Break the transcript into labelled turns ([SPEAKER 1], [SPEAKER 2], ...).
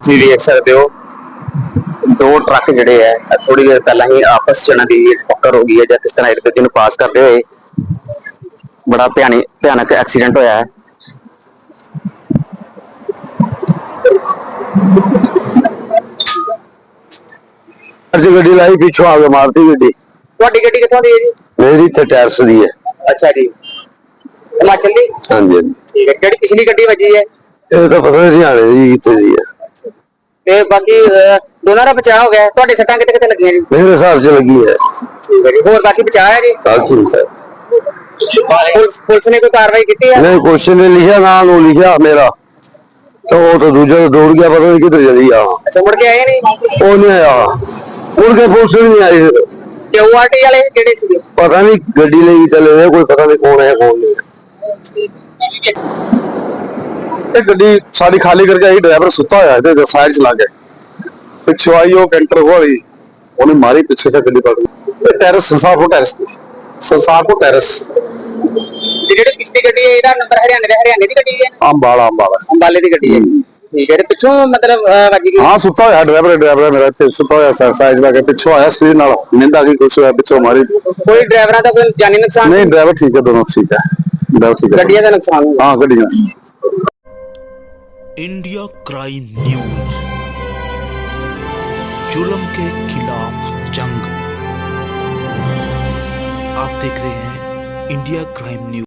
[SPEAKER 1] ਤੁਸੀਂ ਦੇਖ ਸਕਦੇ ਹੋ दो ट्रक ਜਿਹੜੇ है थोड़ी देर पहला ही आपस च इन्हां दी टक्कर हो गई है ਜਾਂ किस तरह एक दूजे ਨੂੰ पास करते हुए बड़ा भयानक एक्सीडेंट होया है।
[SPEAKER 2] ਅਸੀਂ ਗੱਡੀ ਲਾਈ ਪਿੱਛੋਂ ਆ ਕੇ ਮਾਰਤੀ ਗੱਡੀ।
[SPEAKER 1] ਤੁਹਾਡੀ ਗੱਡੀ ਕਿੱਥੋਂ ਦੀ ਹੈ ਜੀ?
[SPEAKER 2] ਮੇਰੀ ਇੱਥੇ ਟੈਰਸ ਦੀ ਹੈ।
[SPEAKER 1] ਅੱਛਾ ਜੀ, ਹਿਮਾਚਲ ਦੀ?
[SPEAKER 2] ਹਾਂਜੀ ਹਾਂਜੀ।
[SPEAKER 1] ਠੀਕ ਹੈ, ਜਿਹੜੀ ਪਿਛਲੀ ਗੱਡੀ ਵੱਜੀ ਹੈ
[SPEAKER 2] ਇਹ ਤਾਂ ਪਤਾ ਨਹੀਂ ਹਰਿਆਣੇ ਦੀ ਕਿੱਥੇ ਦੀ ਹੈ।
[SPEAKER 1] ਤੇ ਬਾਕੀ ਦੋਨਾਂ ਦਾ ਬਚਾਅ ਹੋ ਗਿਆ। ਤੁਹਾਡੇ ਸੱਟਾਂ ਕਿੱਥੇ ਕਿੱਥੇ ਲੱਗੀਆਂ ਜੀ?
[SPEAKER 2] ਮੇਰੇ ਹਿਸਾਬ 'ਚ ਲੱਗੀ ਹੈ।
[SPEAKER 1] ਠੀਕ ਹੈ ਜੀ, ਹੋਰ ਬਾਕੀ ਬਚਾਅ ਹੈ ਜੀ?
[SPEAKER 2] ਬਾਕੀ ਹੈ
[SPEAKER 1] ਪੁਲਿਸ ਨੇ ਕੋਈ ਕਾਰਵਾਈ ਕੀਤੀ ਹੈ?
[SPEAKER 2] नहीं क्वेश्चन ने लिखा नाम वो लिखा मेरा तो वो तो दूसरा तो दौड़ गया, पता नहीं किधर चली गया।
[SPEAKER 1] ਅੱਛਾ, ਮੁੜ ਕੇ ਆਏ ਨਹੀਂ?
[SPEAKER 2] वो नहीं आया, मुड़ के पुलिस भी नहीं आई।
[SPEAKER 1] ਤੇ ORT ਵਾਲੇ ਕਿਹੜੇ ਸੀਗੇ?
[SPEAKER 2] पता नहीं गड्डी लेके चले गए, कोई पता नहीं कौन है कौन नहीं।
[SPEAKER 3] गड्डी सारी खाली करके आई, ड्राइवर सुता होया साइड चला के पिछो आई वो कैंटर वाली उन्हें मारी पीछे से गड्डी पकड़ टेरेस संसारपुर टेरेस
[SPEAKER 1] ਤੇ ਜਿਹੜੀ ਪਿਛਲੀ ਗੱਡੀ ਹੈ ਇਹਦਾ ਨੰਬਰ ਹਰਿਆਣੇ ਦੀ ਗੱਡੀ ਹੈ?
[SPEAKER 3] अंबाला
[SPEAKER 1] ਅੰਬਾਲੇ ਦੀ ਗੱਡੀ ਹੈ। ਠੀਕ ਹੈ, ਤੇ ਪਿੱਛੋਂ ਮਤਲਬ ਵੱਜ ਗਈ?
[SPEAKER 3] हाँ सुता होया ड्राइवर मेरा इत्थे सुता होया साइड चला के पिछो आया स्क्रीन नाल निंदा की कुछ होया पिछो मारी।
[SPEAKER 1] ਕੋਈ ਡਰਾਈਵਰਾਂ ਦਾ ਕੋਈ ਜਾਨੀ ਨੁਕਸਾਨ?
[SPEAKER 3] नहीं ड्राइवर ठीक है, दोनों ठीक है, ड्राइवर ठीक है।
[SPEAKER 1] ਗੱਡੀਆਂ ਦਾ ਨੁਕਸਾਨ ਹੋਇਆ?
[SPEAKER 3] हाँ गड्डियां।
[SPEAKER 4] इंडिया क्राइम न्यूज, जुल्म के खिलाफ जंग। आप देख रहे हैं इंडिया क्राइम न्यूज।